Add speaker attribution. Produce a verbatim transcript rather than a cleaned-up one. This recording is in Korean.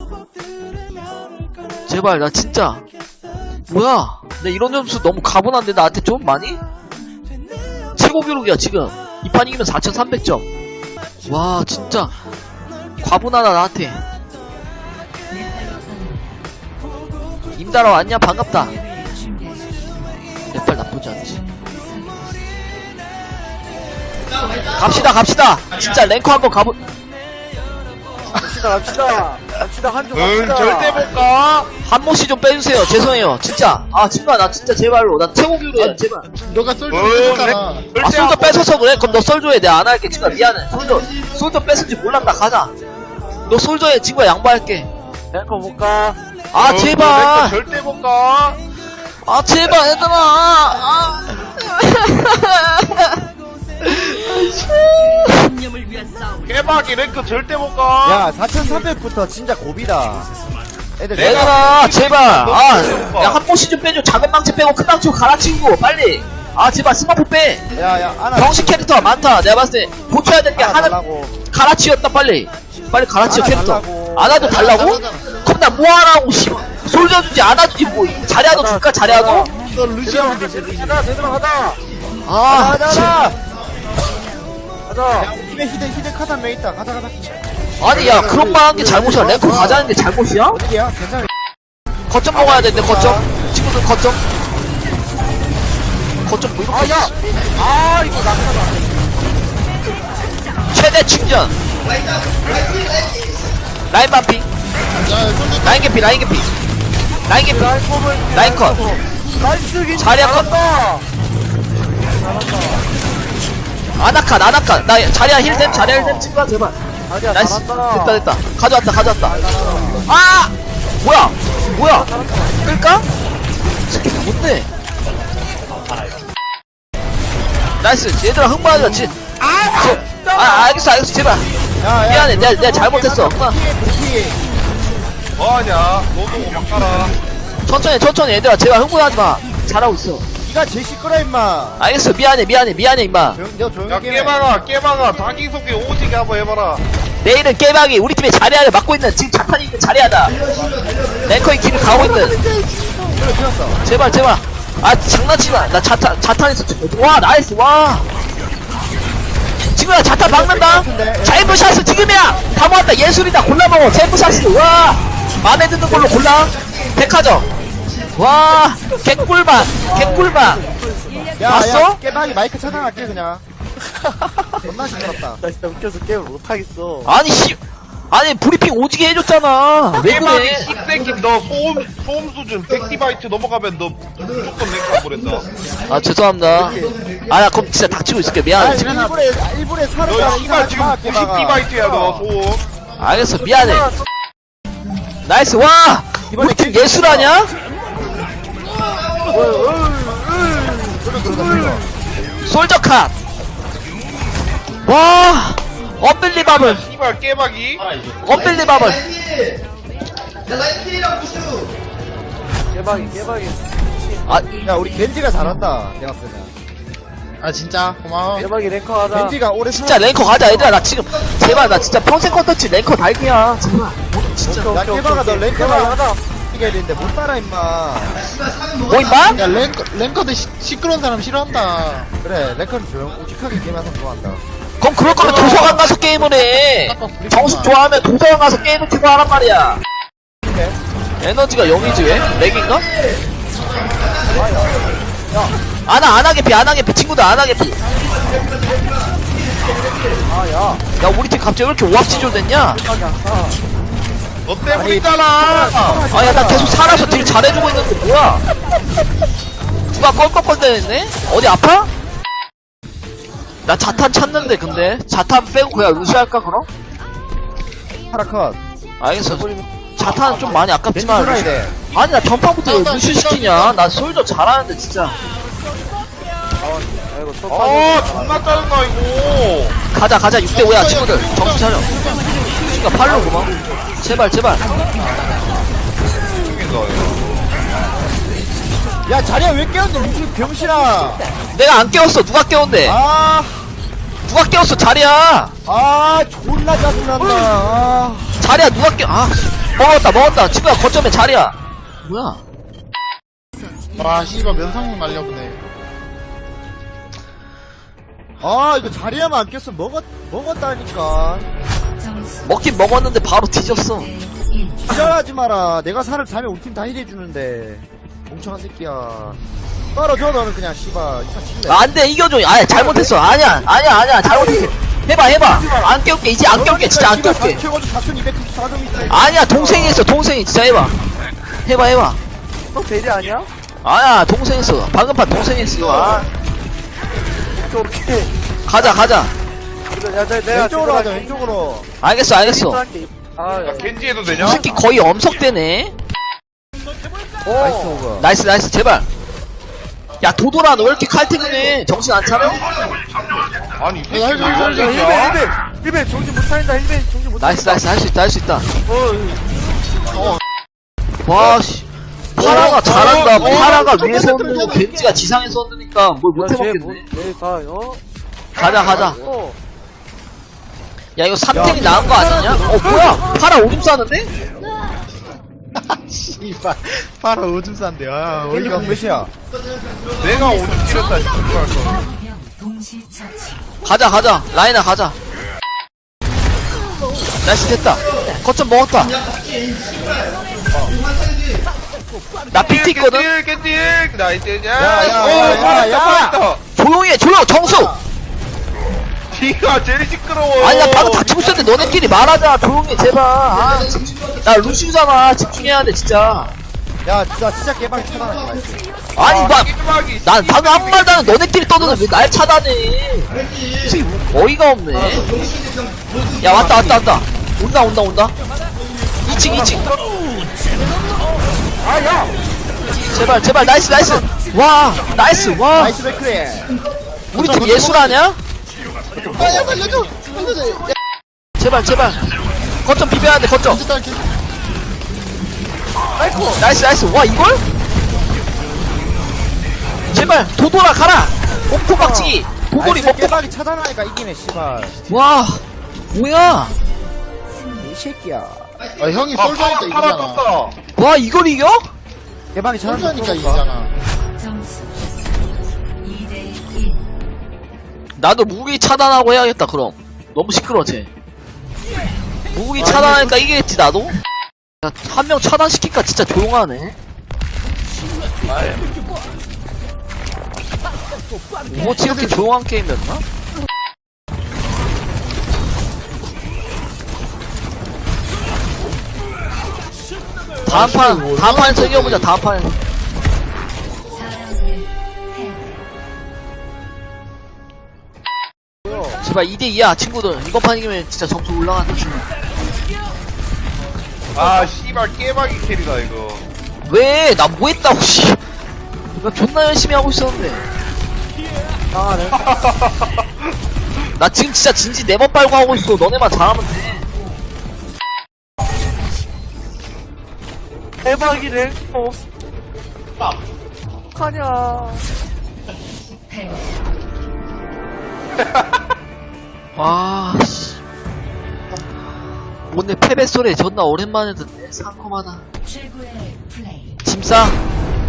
Speaker 1: 제발 나 진짜 뭐야 내 이런 점수 너무 가분한데 나한테 좀 많이? 최고 기록이야 지금 이 판 이기면 사천삼백 점 와 진짜 과분하다 나한테. 임다라 왔냐? 반갑다. 내빨 나쁘지 않지. 갑시다 갑시다 진짜 랭커 한번 가보.
Speaker 2: 갑시다 갑시다 갑시다 한조
Speaker 3: 응,
Speaker 2: 갑시다.
Speaker 3: 절대 못 가.
Speaker 1: 한 모씩 좀 빼주세요. 죄송해요 진짜. 아 정말 나 진짜 제발로 나 최고 기록이야 제발.
Speaker 4: 너가 썰
Speaker 3: 응,
Speaker 4: 줬잖아.
Speaker 1: 아 솔저 뺏어서 그래? 그럼 너 솔저해. 내가 안 할게 친구야. 미안해. 솔저 솔저 뺏은지 몰랐다. 가자. 너 솔저해 친구야. 양보할게.
Speaker 2: 랭커 못가.
Speaker 1: 아
Speaker 3: 응,
Speaker 1: 제발.
Speaker 3: 너 절대 못 가.
Speaker 1: 아 제발 얘들아. 아.
Speaker 3: 깨박이 랭크 절대 못 가.
Speaker 2: 야 사천삼백부터 진짜 고비다. 애들
Speaker 1: 얘들아 제발. 아야 한 번씩 좀 빼줘. 작은 망치 빼고 큰 망치 갈아치우고 빨리. 아 제발 스마프 빼.
Speaker 2: 야야 하나
Speaker 1: 병신 캐릭터 많다. 내가 봤을 때 고쳐야 될 게
Speaker 2: 하나
Speaker 1: 하나
Speaker 2: 달라고.
Speaker 1: 갈아치웠다 빨리. 빨리 갈아치워
Speaker 2: 하나
Speaker 1: 캐릭터.
Speaker 2: 달라고.
Speaker 1: 안아도 달라고? 그럼 나 뭐하라고 씨. 솔져 주지 안아주지 뭐. 자리아도 줄까 자리아도?
Speaker 4: 너 루시안
Speaker 2: 가자 제대로 제대로 가자.
Speaker 1: 아
Speaker 2: 가자
Speaker 1: 진-
Speaker 2: 가자. 가자. 팀에 히든 히든 카드 한 명 있다. 가자 가자.
Speaker 1: 아니 야 그런 말 한 게 잘못이야. 랭크 가자는 게 잘못이야?
Speaker 2: 어디야? 괜찮아.
Speaker 1: 거점 먹어야 되는데 거점. 친구들 거점. 거점 뭐 이렇게
Speaker 2: 아야. 아 이거 낙하다.
Speaker 1: 최대 충전. 라인 반피. 라인 개피 라인 개피. 라인 개피. 라인 컷.
Speaker 2: 나이스 긴.
Speaker 1: 자리야 컷. 아나칸 아나칸. 나 자리야 힐템 자리야 힐템 친구야 제발.
Speaker 2: 자리야
Speaker 1: 나이스.
Speaker 2: 잘한다.
Speaker 1: 됐다 됐다. 가져왔다 가져왔다. 아 뭐야 뭐야 끌까? 스킬 뭔데? 나이스. 얘들아 흥분하지 마. 지- 아, 아 알겠어 알겠어 제발.
Speaker 2: 야, 야,
Speaker 1: 미안해, 내가-
Speaker 2: 그렇게
Speaker 1: 내가 잘못했어.
Speaker 2: 그렇게 그렇게.
Speaker 3: 뭐하냐? 너도 막 가라.
Speaker 1: 천천히 천천히 얘들아 제발 흥분하지 마. 잘하고 있어.
Speaker 2: 니가 제일 시끄러 임마.
Speaker 1: 알겠어 미안해 미안해 미안해 임마.
Speaker 2: 조용 너 조용히
Speaker 3: 야,
Speaker 2: 게임해.
Speaker 3: 깨박아, 깨박아. 자기소개 오지게 한번 해봐라.
Speaker 1: 내일은 깨박이 우리 팀의 자리아를 맡고 있는 지금 자탄이 있는 자리아다. 랭커의 길을 가고 있는.
Speaker 2: 그래 피었어.
Speaker 1: 제발 제발. 아 장난치마. 나 자탄 자탄에서 와 나이스 와. 친구야 자탄 막는다. 자이브샷은 지금이야. 다 모았다. 예술이다. 골라 먹어. 자이브샷은 와. 마음에 드는 걸로 골라. 백화점. 와 개꿀맛 개꿀맛.
Speaker 2: 야,
Speaker 1: 봤어?
Speaker 2: 야, 깨박이 마이크 차단할게 그냥. 존나 시끄럽다.
Speaker 5: 나 진짜 웃겨서 게임을 못하겠어.
Speaker 1: 아니 씨. 아니 브리핑 오지게 해줬잖아. 왜
Speaker 3: 깨박이
Speaker 1: 그래?
Speaker 3: 씹새끼 너 소음, 소음 수준 백 디바이트 넘어가면 너 무조건 랭크 안 보낸다.
Speaker 1: 아 죄송합니다. 아 나 그럼 진짜 닥치고 있을게. 미안해.
Speaker 2: 아니 일부러 일부러 살을
Speaker 3: 너 씨발 지금 구십 디바이트야 너 소음.
Speaker 1: 알겠어 미안해. 나이스 와. 우리 팀 예술 아냐? 솔저카. 와. 언빌리바블.
Speaker 3: 씨발 깨박이.
Speaker 1: 언빌리바블.
Speaker 5: 깨박이, 깨박이.
Speaker 1: 아
Speaker 2: 야 우리 겐지가 잘한다. 내가 쓰면.
Speaker 4: 아 진짜 고마워.
Speaker 5: 깨박이 랭커 하자.
Speaker 2: 겐지가 오래
Speaker 1: 진짜 랭커 가자 얘들아. 나 지금 제발 나 진짜 평생 컨텐츠 랭커 달기야. 제발. 진짜.
Speaker 2: 야 깨박아 너 랭크가 하자. 이겨야 되는데 못 따라 임마.
Speaker 1: 뭐 임마?
Speaker 4: 야 랭커 랭커들 시, 시끄러운 사람 싫어한다.
Speaker 2: 그래 랭크는 조용 우직하게 게임하서 좋아한다.
Speaker 1: 그럼 그럴 거면 도서관 가서 게임을 해. 정숙 좋아하면 도서관 가서 게임을 키고 하란 말이야. 에너지가 영이지 왜? 렉인가? 안하 안하게 피 안하게 피 친구들 안하게 피.
Speaker 2: 아야.
Speaker 1: 야 우리 팀 갑자기 왜 이렇게 오합지졸 됐냐?
Speaker 3: 너 때문이잖아.
Speaker 1: 아야 나 계속 살아서 딜 잘해주고 있는데 뭐야? 누가 껄껄껄대냈네? 어디 아파? 나 자탄 찾는데 근데 자탄 빼고 그냥 루시 할까 그럼?
Speaker 2: 파라컷.
Speaker 1: 알겠어. 자탄은 좀 많이 아깝지만
Speaker 2: 겐지
Speaker 1: 루시...
Speaker 2: 살아야 돼.
Speaker 1: 아니 나 전판부터 왜 루시 시키냐? 나 솔저 잘하는데 진짜.
Speaker 5: 아이고, 또
Speaker 3: 어, 존나 짜증나 이거.
Speaker 1: 가자 가자 육 대 오야 친구들 정신 차려. 루시가 팔로구만. 제발 제발.
Speaker 2: 야 자리야 왜 깨웠는데 루시 병신아.
Speaker 1: 내가 안 깨웠어. 누가 깨웠는데?
Speaker 2: 아.
Speaker 1: 누가 깨웠어 자리야.
Speaker 2: 아 존나 짜증난다. 아.
Speaker 1: 자리야 누가 깨? 아 먹었다 먹었다 친구야 거점에 자리야 뭐야
Speaker 4: 와 씨발 면상님 말려보네.
Speaker 2: 아 이거 자리야만 안 꼈으면 먹었 먹었다니까.
Speaker 1: 먹긴 먹었는데 바로 뒤졌어
Speaker 2: 지랄하지 마라. 내가 살을 자면 우리 팀 다 힐해주는데 멍청한 새끼야. 떨어져 너는 그냥 씨발. 이판 칠래.
Speaker 1: 아, 안돼 이겨줘 아니 잘못했어 아니야 아니야 아니야 잘못했어 해봐 해봐 안 깨울게 이제 안 깨울게 진짜 안 깨울게
Speaker 2: 사천이백구십사 점이 있다.
Speaker 1: 아니야 동생이 했어 동생이 진짜 해봐 해봐 해봐
Speaker 5: 너 대리 아니야?
Speaker 1: 아야 동생 했어 방금 판 동생 했어 아,
Speaker 5: 오케이 오케이
Speaker 1: 가자 가자
Speaker 5: 그래 야 내- 내가
Speaker 2: 왼쪽으로 하자
Speaker 5: 제대로
Speaker 2: 왼쪽으로.
Speaker 1: 알겠어 알겠어
Speaker 5: 할게. 아
Speaker 3: 야, 겐지 해도 되냐?
Speaker 1: 이 새끼 거의 엄석대네
Speaker 2: 나이스 오버.
Speaker 1: 나이스 나이스 제발 야 도도라 너 왜 이렇게 칼퇴근해 정신 안 차려?
Speaker 3: 아니, 이 새끼
Speaker 4: 야,
Speaker 3: 왜
Speaker 4: 야,
Speaker 3: 이런
Speaker 4: 야,
Speaker 5: 힐벤
Speaker 3: 새끼야?
Speaker 5: 힐벤 힐벤 정신 못 차린다 힐벤 정신 못
Speaker 1: 나이스
Speaker 5: 차린다
Speaker 1: 나이스 할 수 있다 할 수 있다
Speaker 5: 어
Speaker 1: 와씨 파라가 잘한다
Speaker 3: 어,
Speaker 1: 파라가
Speaker 4: 어,
Speaker 1: 위에서
Speaker 4: 어,
Speaker 1: 흔들고
Speaker 4: 어,
Speaker 1: 겐지가 지상에서 흔드니까 뭘 못해먹겠네
Speaker 5: 내가 어?
Speaker 1: 가자 가자
Speaker 5: 어
Speaker 1: 야 이거 삼 탱이 나은 거 아니냐? 어 뭐야 파라 오줌 싸는데?
Speaker 4: 씨발 바로 오줌 싼데. 아
Speaker 2: 겐지
Speaker 4: 어이가
Speaker 2: 공 몇이야?
Speaker 3: 내가 오줌 찌렸다, 진짜.
Speaker 1: 가자 가자 라인아 가자 나이스 됐다 거점 먹었다 나 비트 있거든?
Speaker 3: 겐지, 겐지, 나이스, 야,
Speaker 2: 야, 야,
Speaker 3: 어,
Speaker 2: 야,
Speaker 3: 빠졌다,
Speaker 2: 야.
Speaker 3: 빠졌다.
Speaker 1: 조용히 해 조용 정수
Speaker 3: 니가 제일 시끄러워.
Speaker 1: 아니 나 방금 다치고 있었는데 너네끼리 말하자 조용히 해 제발 아, 나 루시우잖아 집중해야 돼 진짜
Speaker 2: 야, 나 진짜 개방 차단할게. 나이스.
Speaker 1: 아니 나,
Speaker 3: 끼박이.
Speaker 1: 난 방금 한 말도 안 해. 너네끼리 떠드는 왜 날 차단해 지금 어이가 없네 야 왔다 왔다 왔다 온다 온다 온다 이 층 이 층 아야 제발 제발 나이스 나이스 와 나이스 와
Speaker 2: 나이스 백크리.
Speaker 1: 우리 팀 예술 아냐?
Speaker 4: 아야 살려줘 살려줘. 야
Speaker 1: 제발 제발 거점 비벼야 돼 거점
Speaker 4: 진짜 이렇게.
Speaker 1: 나이스 나이스 와 이걸? 제발 도돌아 가라 목포 박치기 도돌이
Speaker 2: 나이스
Speaker 1: 먹고
Speaker 2: 개방이 차단하니까 이기네 씨발.
Speaker 1: 와 뭐야
Speaker 2: 이 새끼야.
Speaker 4: 아 형이
Speaker 3: 아,
Speaker 4: 솔저니까
Speaker 3: 파라, 파라
Speaker 4: 이기잖아.
Speaker 3: 떴다.
Speaker 1: 와 이걸 이겨?
Speaker 2: 개방이 차단하니까
Speaker 4: 솔저니까 이기잖아.
Speaker 6: 점수 이 대 일.
Speaker 1: 나도 무기 차단하고 해야겠다 그럼 너무 시끄러워 쟤 무기 차단하니까 이기겠지 나도? 한 명 차단시키니까 진짜 조용하네 오버워치 이렇게 조용한 게임이었나? 다음 판 다음 판에서 이겨보자 다음 판에서
Speaker 6: 사 라운드 패.
Speaker 1: 제발 이 대 이야 친구들 이번 판 이기면 진짜 점수 올라간다
Speaker 3: 아, 씨발, 깨박이 캐리다, 이거.
Speaker 1: 왜? 나 뭐 했다고 씨. 나 존나 열심히 하고 있었는데
Speaker 5: 당하네
Speaker 1: 나 지금 진짜 진지 네 번 빨고 하고 있어 너네만 잘하면 돼
Speaker 5: 대박이네 어 어떡하냐
Speaker 6: 패.
Speaker 1: 와, 씨. 오늘 패배 소리 존나 오랜만에 듣네. 상콤하다.
Speaker 6: 최고의 플레이.
Speaker 1: 짐싸.